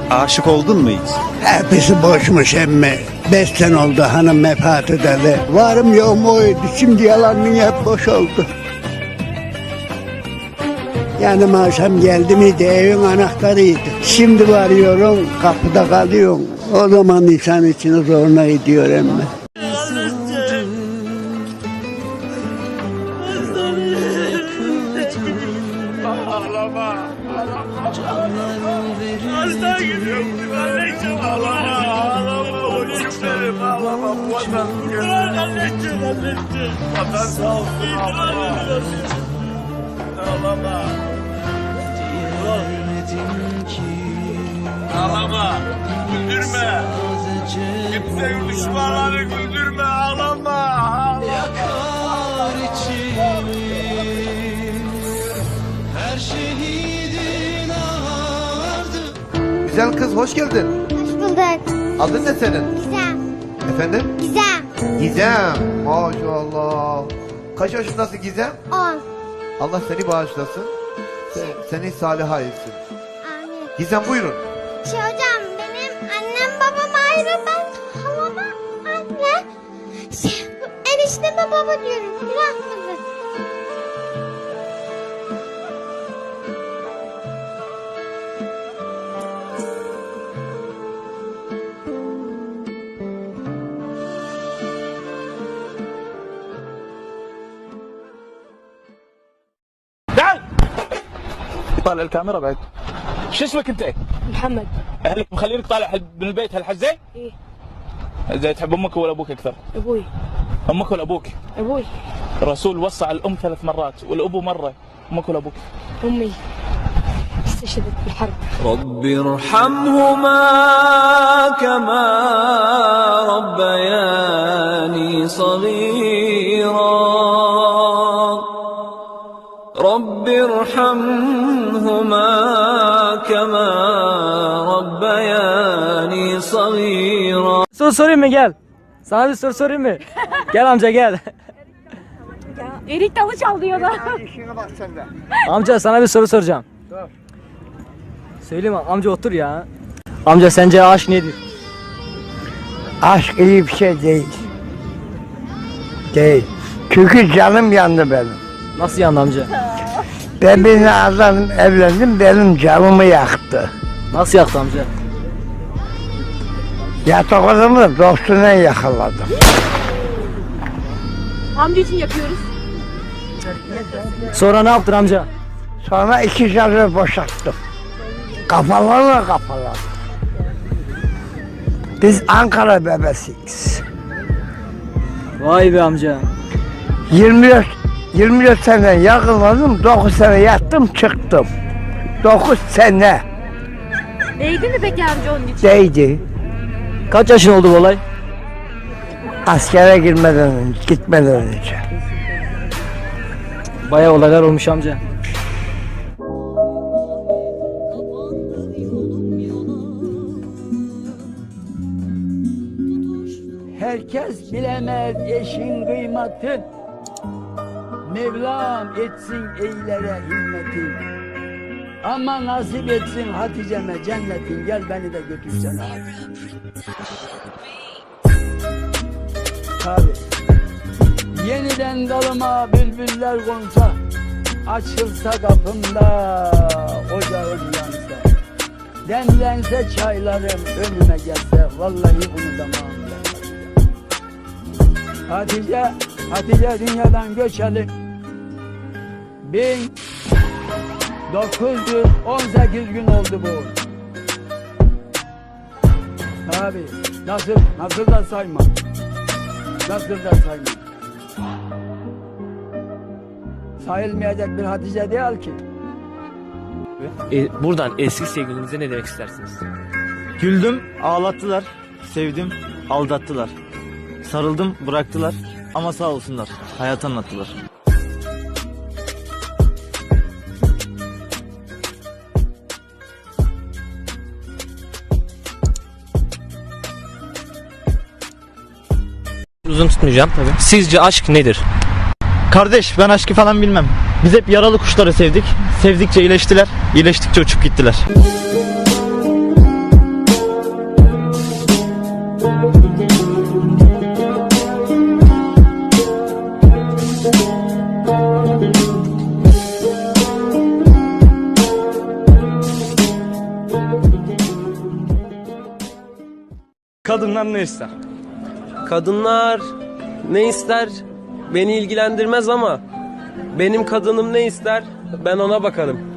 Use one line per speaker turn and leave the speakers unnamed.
Aşık oldun mu hiç?
Hepsi boşmuş emmi. 5 sene oldu hanım vefat edeli. Varım yoğum oydu. Şimdi yalanın hep boş oldu. Yani akşam geldi miydi evin anahtarıydı. Şimdi varıyorum kapıda kalıyorum. O zaman insan içine zoruna gidiyor emmi.
Ağlama. Hasta gidiyorum. Anneciğim ağlama. Ağlama. Oğlum benim ağlama. Vatan. Bırak anneciğim. Vatan sağ olsun. Ağlama. Ağlama. Güldürme. Kimse düşmanları güldürme. Ağlama.
Yakar içimi her şehidin ağardı.
Güzel kız hoş geldin.
Hoş bulduk.
Adın ne senin?
Gizem.
Efendim?
Gizem.
Gizem. Maşallah. Kaç yaşındasın Gizem?
10.
Allah seni bağışlasın. Seni salih etsin.
Amin.
Gizem buyurun.
Hocam benim annem babam ayrı, ben halama anne. Enişteme baba diyorum. Bırakmadı.
طالع الكاميرا بعد. شو اسمك انت؟
محمد.
اهلك مخلينك طالع من البيت هالحزه؟
ايه.
زي تحب امك ولا ابوك اكثر؟
ابوي.
امك ولا ابوك؟
ابوي.
الرسول وصى على الام 3 مرات والابو مره، امك ولا ابوك؟
امي استشهدت بالحرب.
رب ارحمهما كما ربياني صغيرا رب ارحمهما كما ربياني صغيرا.
Soru sorayım mı, gel. Sana bir soru sorayım mı? Gel amca gel.
Erik dalı çalıyor da.
Amca sana bir soru soracağım. Söyleyeyim mi? Amca otur ya. Amca sence aşk nedir?
Aşk iyi bir şey değil. Değil. Çünkü canım yandı benim.
Nasıl yandı amca?
Ben bir adam evlendim, benim canımı yaktı.
Nasıl yaktı amca?
Yatak odamı dostuna yakaladım.
Amca için yapıyoruz.
Sonra ne yaptın amca?
Sonra 2 canı boşalttım. Kafalarla kafalar. Biz Ankara bebesiyiz.
Vay be amca.
24 sene yakaladım, 9 sene yattım çıktım. 9 sene
Değdi mi peki amca onun için?
değdi.
Kaç yaşın oldu bu olay?
Askere gitmeden önce.
Bayağı olaylar olmuş amca.
Herkes bilemez eşin kıymatı. Mevlam etsin eylere himmetin. Ama nasip etsin Hatice'me cennetin. Gel beni de götürsene hadi. Tabii. Yeniden dalıma bülbüller konsa, açılsa kapımda ocağım yansa, demlense çaylarım önüme gelse, vallahi unutamam ben. Hatice dünyadan göçeli 1918 gün oldu bu. Tabii. Nasıl da sayma. Nasıl da sayma. Sayılmayacak bir Hatice değil ki.
Buradan eski sevgilinize ne demek istersiniz?
Güldüm, ağlattılar. Sevdim, aldattılar. Sarıldım, bıraktılar. Ama sağ olsunlar, hayat anlattılar.
Uzun tutmayacağım tabii. Sizce aşk nedir?
Kardeş, ben aşkı falan bilmem. Biz hep yaralı kuşları sevdik. Sevdikçe iyileştiler, iyileştikçe uçup gittiler.
Kadınlar ne ister?
Kadınlar ne ister? Beni ilgilendirmez ama benim kadınım ne ister? Ben ona bakarım.